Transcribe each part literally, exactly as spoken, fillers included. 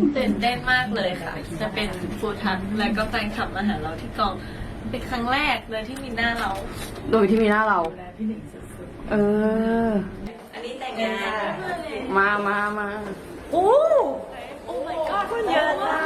ตื่นเต้นมากเลยค่ะ จะเป็นฟูทักและก็แฟนคลับมาหาเราที่กองเป็นครั้งแรกเลยที่มีหน้าเราโดยที่มีหน้าเรา เอออันนี้แต่งงานมามามาโอ้โอ้ my god คนเยอะมาก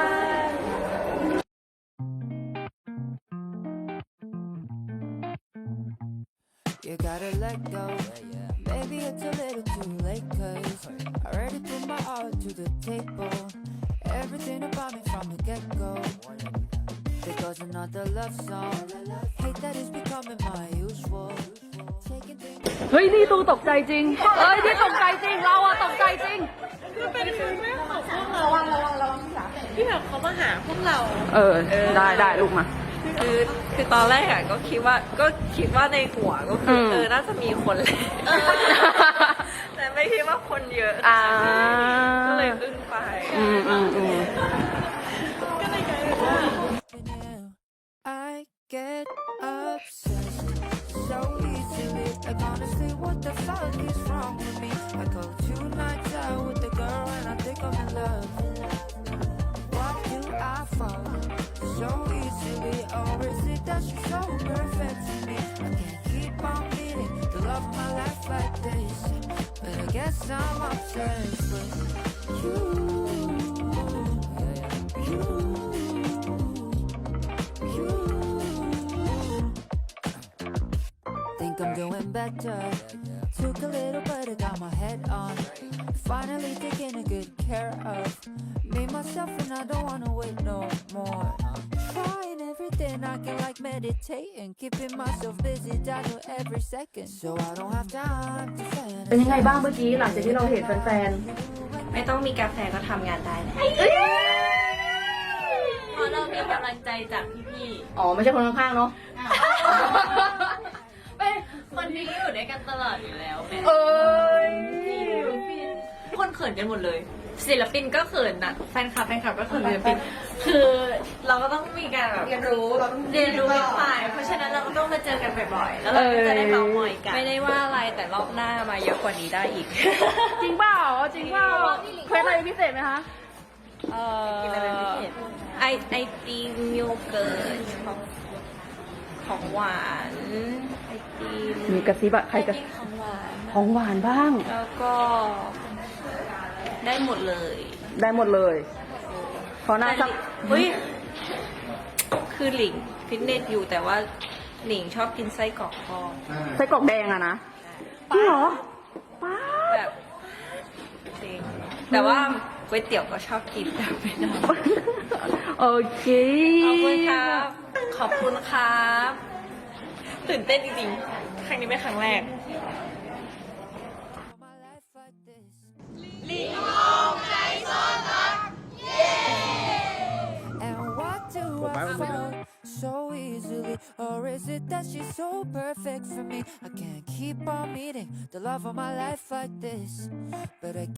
You gotta let go. Maybe it's a little too late, cause I already put my all to the table. Everything about me from the get go. There goes another love song. Hate that is becoming my usual. Taking things. เฮ้ยนี่ตูตกใจจริง เฮ้ยนี่ตกใจจริง เราอะตกใจจริงคือเป็นครั้งแรกของพวกเราระวังระวังระวังที่แบบเขามาหาพวกเราเออ ได้ได้ลูกมาคือคือตอนแรกอะก็คิดว่าก็คิดว่าในหัวก็คือเออน่าจะมีคนเลยแต่ไม่คิดว่าคนเยอะอ่าก็เลยอึ้งไปอืมอืมอืมก็เลยกลายเป็นว่า I get obsessed so easily. Like honestly, what the fuck is wrong with me? I go two nights out with the girl and I think I'm in love. Why do I fall so easily? Or is it that she's so perfect to me? I can't keep on meeting the love of my life like this. But I guess I'm obsessed with you. You. You. Think I'm doing better. Took a little, but I got my head on. Finally taking a good care of me, myself, and I don't wanna wait no more. Trying everything I can, like meditating, keeping myself busy, I know every second, so I don't have time to เป็นยังไง fantasize. บ้างเมื่อกี้หลังจากที่เราเห็นแฟนไม่ต้องมีกาแฟก็ทำงานได้นะเพราะเรามีกำลังใจจากพี่ๆ อ๋อ ไม่ใช่คนข้างๆ เนาะๆเป็นคนที่อยู่ด้วยกันตลอดอยู่แล้วเป็นเอ้ยคนเขินกันหมดเลย ศิลปินก็เขินนะแฟนคลับแฟนคลับก็เขินศิลปินคือเราก็ต้องมีการแบบเรียนรู้เราต้องเรียนรู้ไปฝ่ายเพราะฉะนั้นเราก็ต้องมาเจอกันบ่อยๆแล้วเราก็จะได้เมาท์มอยกันไม่ได้ว่าอะไรแต่รอบหน้ามาเยอะกว่านี้ได้อีกจริงเปล่า จริงเปล่าเคล็ดอะไรพิเศษไหมคะเอ่อกินอะไรเป็นพิเศษไอไอติมโยเกิร์ตของของหวานไอติมมีกระซิบอะใครกระกินของหวานของหวานบ้างแล้วก็ได้หมดเลยได้หมดเลยเพราะน่าจะเฮ้ยคือหลิงฟิตเนสอยู่แต่ว่าหลิงชอบกินไส้กรอกทอดไส้กรอกแดงอะนะจริงเหรอป้าแบบจริงแต่ว่าก๋วยเตี๋ยวก็ชอบกินแต่ไม่ได้โอเคขอบคุณครับ ขอบคุณครับตื่นเต้นจริงๆ ครั้งนี้เป็นครั้งแรก My life like this. And why do I fall so easily? Or is it that she's so perfect for me? I can't keep on meeting the love of my life like this. But I